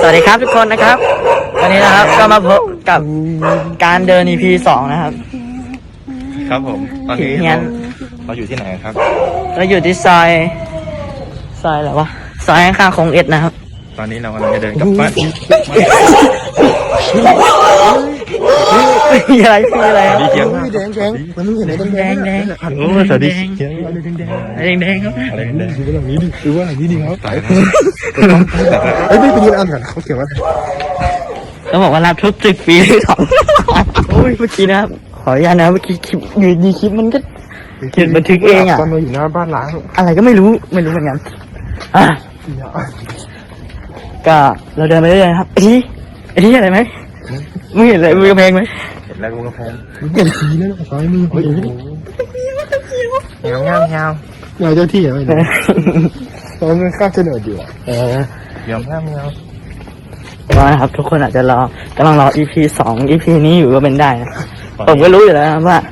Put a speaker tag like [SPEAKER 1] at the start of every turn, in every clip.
[SPEAKER 1] วัสดีครับทุกคนนะครับวันนี้นะครับก็มาพบกับการเดิน EP 2นะครับ
[SPEAKER 2] ครับผมตอนนี้เราอยู่ที่ไหนครับ
[SPEAKER 1] เราอยู่ที่ซอยอะไรวะซอยข้างๆคงเอ็ดนะครับ
[SPEAKER 2] ตอนนี้เรากำลังจะเดินกลับบ้าน
[SPEAKER 1] มีอะไร
[SPEAKER 2] ดีเคียงมาก
[SPEAKER 3] แดงมันไม่เห็นอะไรแดง
[SPEAKER 2] โอ้สวัสดีเคียง
[SPEAKER 1] แดงครับ
[SPEAKER 2] อะไรแดง
[SPEAKER 3] ดูว่าหลังนี้ดิดูว่าหลังนี้ดิครับเฮ้ยไม่ไปยืนอ่านก่อนเขาเขียนว่า
[SPEAKER 1] เขาบอกว่ารับทุกตึกฟรีของโอ้ยเมื่อกี้นะครับขออนุญาตนะเมื่อกี้คลิปอยู่ดีคลิปมันก็เขียนบันทึกเองอ่ะ
[SPEAKER 3] ตอนเราอยู่หน้าบ้านล้าง
[SPEAKER 1] อะไรก็ไม่รู้เหมือนกันก็เราเดินไปเรื่อยๆครับไอ้ที่อะไรไหมมึงเห็นอะไรมือกระเพงไหม
[SPEAKER 2] เห็นแล้วกูกระเพง
[SPEAKER 3] เห็นสีนั่นซ้ายมือ
[SPEAKER 2] เงา
[SPEAKER 3] เงาเจ้าที่อะไรเนี่ยตอนมันข้ามเสนออยู่
[SPEAKER 2] เงา
[SPEAKER 1] ก็นะครับทุกคนอาจจะกำลังรอ EP 2 EP นี้อยู่ก็เป็นได้นะผมก็รู้อยู่แล้วนะว่า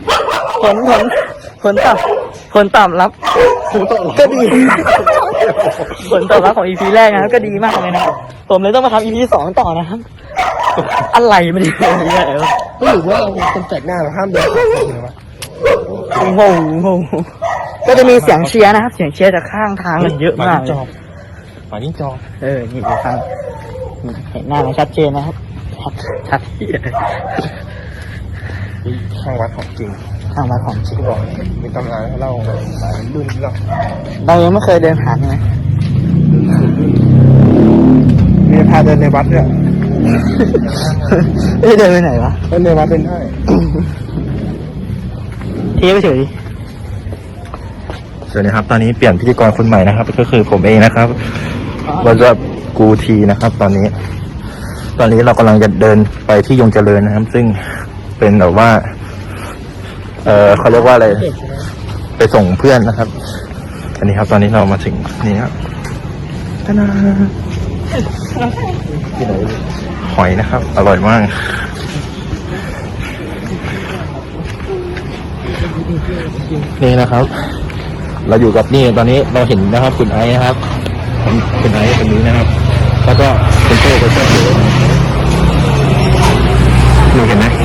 [SPEAKER 1] ผลตอบรับก็ดีผลตอบรับของ EP แรกนะครับก็ดีมากเลยนะครับผมเลยต้องมาทำ EP 2 ต่อนะครับอะไรไม่ดีเลยวะ
[SPEAKER 3] ก็หรือว่าเราคนแปลกหน้าเราห้ามเดินหรือวะ
[SPEAKER 1] โง่ก็จะมีเสียงเชียร์นะครับเสียงเชียร์จากข้างทางมันเยอะมาก
[SPEAKER 2] ฝ่ายนี้จอ
[SPEAKER 1] นี่ดูฟังเห็นหน้ามันชัดเจนนะครับชัดที่
[SPEAKER 2] ข้างวัดของจริง
[SPEAKER 1] ข้างวัดของจริง
[SPEAKER 2] บอกมีตำนานให้เล่าสายรุ่น
[SPEAKER 1] เรายังไม่เคยเดินผ่านใช่ไหม
[SPEAKER 3] มีพาเดินในวัดด้วย
[SPEAKER 1] เดินไปไหนวะ
[SPEAKER 3] เดินในวัดเป็นได้
[SPEAKER 1] เที่ยวไปเฉย
[SPEAKER 2] สวัสดีครับตอนนี้เปลี่ยนพิธีกรคนใหม่นะครับก็คือผมเองนะครับเราจะกูทีนะครับตอนนี้เรากำลังจะเดินไปที่ยงเจริญนะครับซึ่งเป็นแบบว่าเขาเรียกว่าอะไรไปส่งเพื่อนนะครับอันนี้ครับตอนนี้เรามาถึงนี่ครับหอยนะครับอร่อยมากนี่นะครับเราอยู่กับนี่ตอนนี้เราเห็นนะครับคุณไอซ์นะครับคุณไอซ์คนนี้นะครับแล้วก็คุณโต้ก็เชื่อถือดูเห็นไหม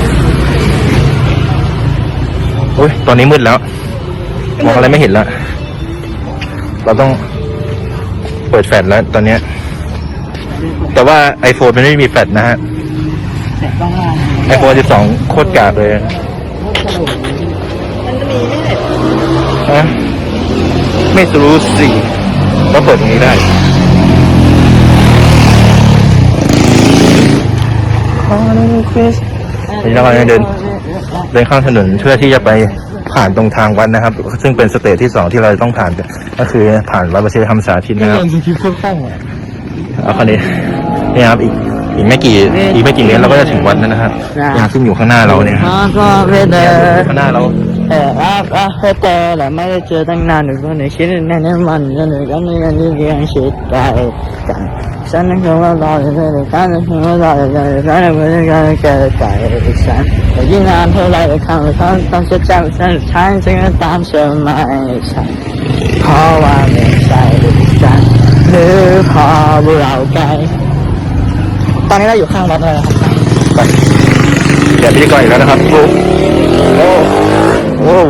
[SPEAKER 2] โอ้ยตอนนี้มืดแล้วมองอะไรไม่เห็นแล้วเราต้องเปิดแฟลชแล้วตอนนี้แต่ว่า iPhone มันไม่มีแฟลชนะฮะ iPhone 12โคตรกากเลย
[SPEAKER 1] มันจะมีไม่เน็ต
[SPEAKER 2] ไม่รู้สิก็เปิดตรงนี้ได้นี่เราจะเดินข้ามถนนเพื่อที่จะไปผ่านตรงทางวัดนะครับซึ่งเป็นสเตจที่2ที่เราต้องผ่านก็คือผ่านวัดประเชษฐธรรมสาธิตนะครับเอาคันนี้นี่ครับอีกไม่กี่เมตรเราก็จะถึงวัดแล้วนะครับอย่างซึ่งอยู่ข้างหน้าเราเนี่ยข้างหน้าเรา
[SPEAKER 1] แต่ไม่ได้เจอตั้งนานหนูก็ในคิดในนั้นมันก็หนูก็ไม่ได้เรียนคิดไปกันฉันนึกว่ารอจะได้การนึกว่ารอจะได้การนึกว่าการเกิดใจฉันแต่ยิ่งนานเท่าไรครั้งละครั้งต้องจะจำฉันฉันจึงตามเชื่อไม่ใช่เพราะว่าไม่ใช่ฉันหรือพอบุเราไกลตอนนี้เราอยู่ข้างวัดเลยครับ
[SPEAKER 2] เดี๋ยวพี่ก่อนอีกแล้วนะครับโอ้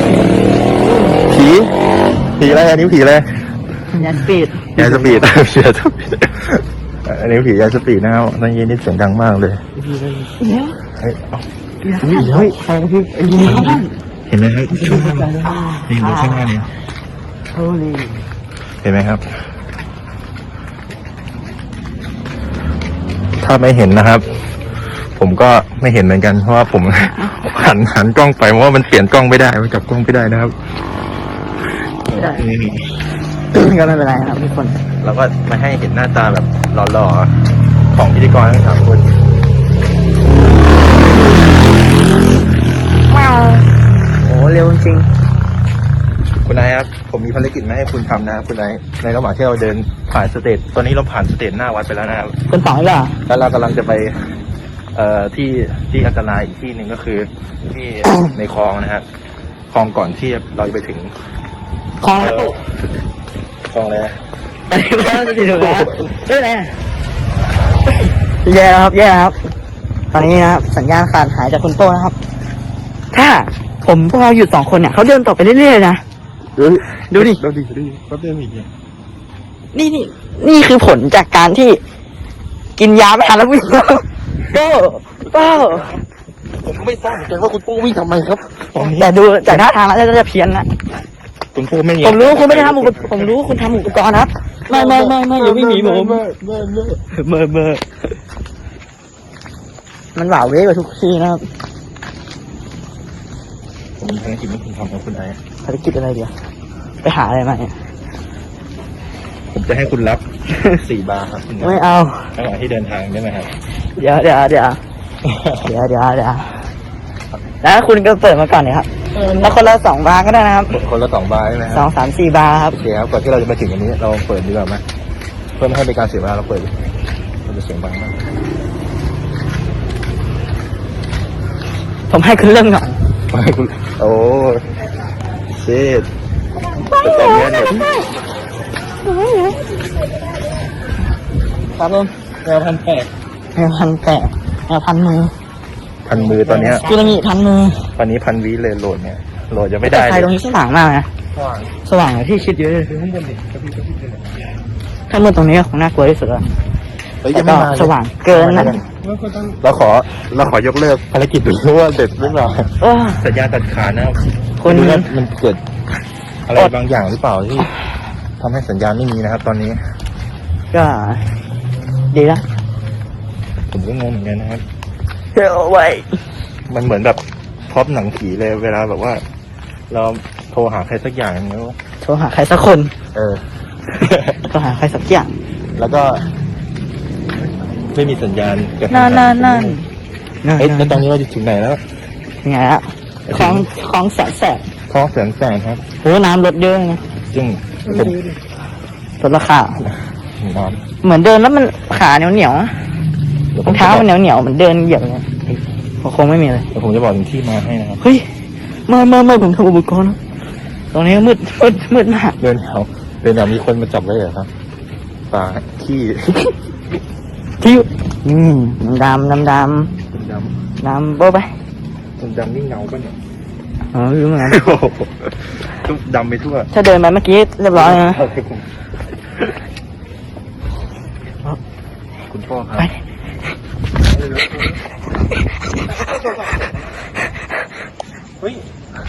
[SPEAKER 2] ผีอะไรอันนี้ผีอะไร
[SPEAKER 1] ยาสปีด
[SPEAKER 2] อันนี้ผียาสปีดนะครับตอนนี้นี่เสียงดังมากเลยเฮ้ยเห็นไหมครับช่วงนี่ดูข้างหน้านี่เห็นไหมครับถ้าไม่เห็นนะครับผมก็ไม่เห็นเหมือนกันเพราะว่าผมหันกล้องไปเพราะว่ามันเปลี่ยนกล้องไม่ได้มันจับกล้องไม่ได้นะครับ
[SPEAKER 1] ก็ไม่เป็นไรครับทุกคน
[SPEAKER 2] เราก็มาให้เห็นหน้าตาแบบหล่อๆของพิธีกรทั้ง3 คน
[SPEAKER 1] โอ้เร็วจริง
[SPEAKER 2] คุณนายครับผมมีภารกิจมาให้คุณทำนะคุณนายในระหว่างที่เราเดินผ่านสเตจตอนนี้เราผ่านสเตจหน้าวัดไปแล้วนะครับ
[SPEAKER 1] คนต่อเหรอ
[SPEAKER 2] แล้วเรากำลังจะไปที่อันตรายอีกที่หนึ่งก็คือที่ในคลองนะครับคลองก่อนที่เราจะไปถึง
[SPEAKER 1] คลองอะไร
[SPEAKER 2] คลองอะไร
[SPEAKER 1] อะไรบ้างสิถูกแล้วเรื่องอะไรแย่แล้วครับแย่แล้วครับตอนนี้นะครับสัญญาณขาดหายจากคุณโต้นะครับ ถ้าพวกเราอยู่2 คนเนี่ยเขาเดินต่อไปเรื่อยๆนะดูดิ
[SPEAKER 3] ดูดิก็เดินอีกเนี่ย
[SPEAKER 1] นี่คือผลจากการที่กินยาไม่ทันแล้ววิ่งโต้
[SPEAKER 3] ผมก็ไม่ทราบเหมือนกันว่าคุณโป้วิ่งทำไมครับตอนนี้
[SPEAKER 1] แต่ดูจากท่าทางแล้วจะเพี้ยนนะ
[SPEAKER 2] คุณโป้ไม่
[SPEAKER 1] ผมรู้คุณไม่ได้ทำผมรู้คุณทำอุปกรณ์นะครับไม่อย่าวิ่งหนีผมเมื่อมันหวาเวกว่าทุกทีนะครับ
[SPEAKER 2] ผมมีภารกิจที่คุณทำกับคุณไอ้
[SPEAKER 1] ภารกิจอะไรเดียวไปหาอะไรมาเนี่ย
[SPEAKER 2] ผมจะให้คุณรับ 4 บาร์ครับคุณ
[SPEAKER 1] ไม่เอา
[SPEAKER 2] ระหว่างที่เดินทางได้ไหมครับ
[SPEAKER 1] เดี๋ยวแล้วคุณก็เปิดมาก่อนเลยครับแล้วคนละ2 บาร์ก็ได้นะครับ
[SPEAKER 2] คนละ2 บาร์ใช่ไหมครับ
[SPEAKER 1] 2 3 4 บาร์ครับ
[SPEAKER 2] โอเคครับก่อนที่เราจะมาถึงอันนี้เราเปิดดีกว่าไหมเพื่อไม่ให้เป็นการเสียเวลาเราเปิดมันจะเสียงดังมาก
[SPEAKER 1] ผมให้คุณเริ่มก่อน
[SPEAKER 2] ไม่คุณโอ้เชิดแต่ตอนนี้เนี่ย
[SPEAKER 1] ครับผม
[SPEAKER 3] แนวพันแปด
[SPEAKER 1] แนวพันแปะแนวพันมือ
[SPEAKER 2] พันมือตอนเนี้ย
[SPEAKER 1] จุลมีพันมือ
[SPEAKER 2] ตอนนี้1,000 วิเลยโหลดเนี่ยโหลดยังไม่
[SPEAKER 1] แต่
[SPEAKER 2] ได้
[SPEAKER 1] ไฟ
[SPEAKER 2] เล
[SPEAKER 1] ตรง
[SPEAKER 2] ย
[SPEAKER 1] นี้สว่างมากนะ
[SPEAKER 3] ว่าง
[SPEAKER 1] สว่างกว่าที่คิดเยอะเลย
[SPEAKER 3] คือข้างบนดิกระพริบเลย
[SPEAKER 1] ถ้ามืดตรงนี้ก็คงน่ากลัวที่สุดแล้ว
[SPEAKER 2] เฮ้ย
[SPEAKER 1] แต่
[SPEAKER 2] ยังไม่
[SPEAKER 1] ก็
[SPEAKER 2] มาเลย
[SPEAKER 1] สว่างเกินนะ
[SPEAKER 3] แล้วก็ต้อง
[SPEAKER 2] เราขอยกเลิกภารกิจดูว่าเด็ดหรือเปล่า
[SPEAKER 1] เออ
[SPEAKER 2] สัญญาณตัดขาดนะครับ
[SPEAKER 1] คุณ
[SPEAKER 2] ไม่รู้ว่ามันเกิดอะไรบางอย่างหรือเปล่าที่ทำให้สัญญาณไม่มีนะครับ ตอนนี้
[SPEAKER 1] ก็ดีละ
[SPEAKER 2] ผมก็งงเหมือนกันนะครับ
[SPEAKER 1] เฮ้ยไว้
[SPEAKER 2] มันเหมือนแบบพร็อพหนังผีเลยเวลาแบบว่า เราโทรหาใครสักอย่างอย่างเงี้ย
[SPEAKER 1] โทรหาใครสักคน
[SPEAKER 2] เออ
[SPEAKER 1] โทรหาใครสักอย่าง
[SPEAKER 2] แล้วก็ไม่มีสัญญาณกระทั
[SPEAKER 1] นั่น
[SPEAKER 2] เอ๊ะแล้วตอนนี้เราจะถึงไหนแล้ว
[SPEAKER 1] ยังไงละของแสนแสบ
[SPEAKER 2] คลองแสนแสนครับ
[SPEAKER 1] โอ้น้ำลดเยอะนะ
[SPEAKER 2] ซึ่งผม
[SPEAKER 1] ลดราคา
[SPEAKER 2] นอน
[SPEAKER 1] เหมือนเดินแล้วมันขาเหนียวๆนะ
[SPEAKER 2] เดี๋ยว
[SPEAKER 1] รองเท้ามันเหนียวๆเหมือนเดินเหยียบเลยคงไม่มีเลย
[SPEAKER 2] เดี๋ยวผมจะบอกถึงที่มาให้นะครับ
[SPEAKER 1] เฮ้ยเมื่อผมทำอุปกรณ์ตรงนี้มืดมาก
[SPEAKER 2] เดินแถวมีคนมาจับไว้เหรอครับปลาขี้
[SPEAKER 1] ที่ดำ
[SPEAKER 2] ด
[SPEAKER 1] ดำโบ๊ะไป
[SPEAKER 2] ำดำนี่เงาป่ะเนี่ย
[SPEAKER 1] อ๋อไม่รู้เหมือนกัน
[SPEAKER 2] โอ้โหทุกดำไปทั่ว
[SPEAKER 1] ถ้าเดินไปเมื่อกี้เรียบร้อยนะ
[SPEAKER 2] คุณพ่อครับ
[SPEAKER 1] ไป
[SPEAKER 3] เฮ้ย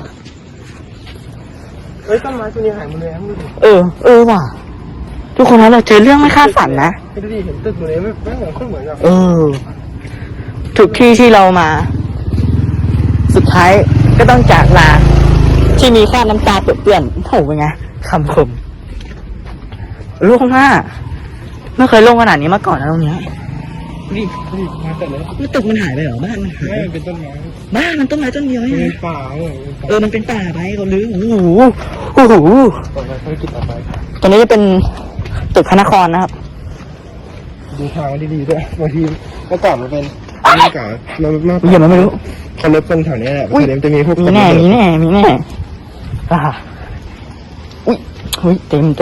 [SPEAKER 3] ต้นไม้ตัวนี้หายหมดเลยครับดูดิ
[SPEAKER 1] เออว่ะทุกคนนะเราเจอเรื่องไม่คาดฝันนะ
[SPEAKER 3] ดูดิเห็นตึกตัวนี้ไม่เหมือนคนเหมือนกับ
[SPEAKER 1] ทุกที่ที่เรามา สุดท้ายก็ต้องจากลาที่มีแค่น้ำตาเปื้อนๆโหเป็นไงคำคมโล่งมากไม่เคยโล่งขนาดนี้มาก่อนนะตรงเนี้ยดิ
[SPEAKER 3] มาแต่เลย
[SPEAKER 1] มันตึกมันหายไปเหรอบ้านมันหาย
[SPEAKER 3] ไม่เป็นต้นไม้
[SPEAKER 1] บ้านมันต้นไม้ต้นเดียว
[SPEAKER 3] เป็
[SPEAKER 1] เอง
[SPEAKER 3] นป่าเลย
[SPEAKER 1] มันเป็นป่าไปเขาลื้อโอ้โห
[SPEAKER 3] ต่อไปภารกิจต่อไป
[SPEAKER 1] ตรงนี้จะเป็นตึกพระนครนะครับ
[SPEAKER 3] ดูทางดีๆด้วยบางทีเมื่อก่อนมันเป็นเมื่อก่อนเราเมื่อ
[SPEAKER 1] เหี้ยมันไม่รู้
[SPEAKER 3] เขารถตรงแถวนี้แหละ
[SPEAKER 1] อุ๊ย
[SPEAKER 3] แถวนี้จะมีพวก
[SPEAKER 1] มีแน่อ่าอุ้ยเต็มห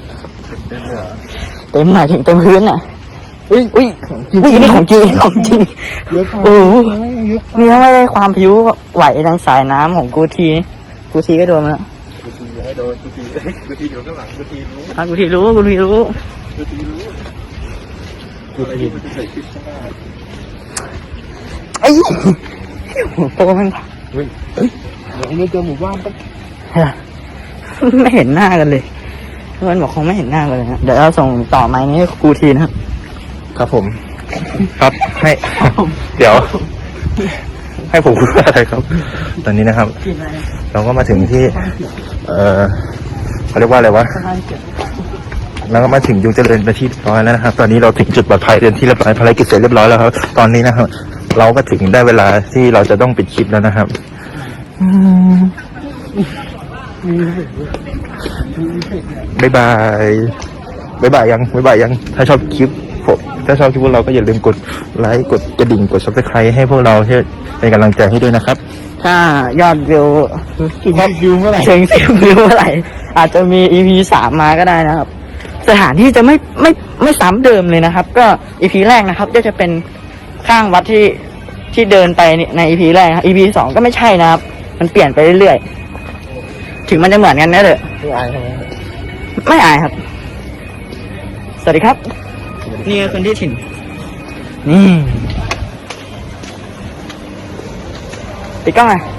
[SPEAKER 1] มายถึงเต็มพื้นอ่ะอุ้ยนี่ของจริง
[SPEAKER 3] เยอะ
[SPEAKER 1] โอ้โห
[SPEAKER 3] เยอะ
[SPEAKER 1] นี่ถ้าไม่ได้ความผิวไหวทางสายน้ำของกูทีก็โดนมาแล้ว
[SPEAKER 3] กูทีให้โดนกูทีอยู่ข้างหลังกูทีรู้
[SPEAKER 1] กูทีรู้
[SPEAKER 3] กูทีรู้
[SPEAKER 2] กูที
[SPEAKER 3] กูจะใส่คลิปข้างหน้า
[SPEAKER 1] ไอ้โตมัน
[SPEAKER 3] เฮ้ยเดี๋ยวเราเจอหมู่บ้านต้อง
[SPEAKER 1] ไม่เห็นหน้ากันเลยมันบอกคงไม่เห็นหน้ากันเลยนะเดี๋ยวเราส่งต่อไม้นี้ให้กูทีนะครับ
[SPEAKER 2] ครับผม ครับให้เดี๋ยว ให้ผมพูดอะไรครับ ตอนนี้นะครับ เราก็มาถึงที่ เขาเรียกว่าอะไรวะ แล้วก็มาถึงยุงเจริญเป็นที่เรียบร้อยแล้วนะครับ ตอนนี้เราถึงจุดปลอดภัยเป็นที่เรียบร้อยภารกิจเสร็จเรียบร้อยแล้วครับ ตอนนี้นะครับ เราก็ถึงได้เวลาที่เราจะต้องปิดคลิปแล้วนะครับบ๊ายบายยังถ้าชอบคลิปผมถ้าชอบคลิปพวกเราก็อย่าลืมกดไลค์กดกระดิ่งกด Subscribe ให้พวกเราเพื่อเป็นกำลังใจให้ด้วยนะครับ
[SPEAKER 1] ถ้ายอดวิว
[SPEAKER 3] ยอดวิวเมื่อไหร่
[SPEAKER 1] ถึง10 วิวเมื่อไหร่อาจจะมี EP 3 มาก็ได้นะครับสถานที่จะไม่ซ้ำเดิมเลยนะครับ ก็ EP แรกนะครับก็จะเป็นข้างวัดที่เดินไปใน EP แรกครับ EP 2ก็ไม่ใช่นะครับ มันเปลี่ยนไปเรื่อยๆถึงมันจะเหมือนกันนะเด้อ
[SPEAKER 3] ไม่อายใช่ไหม
[SPEAKER 1] ไม่อายครับ สวัสดีครับ นี่คือคนที่ถิ่น นี่ปิดกล้องอ่ะ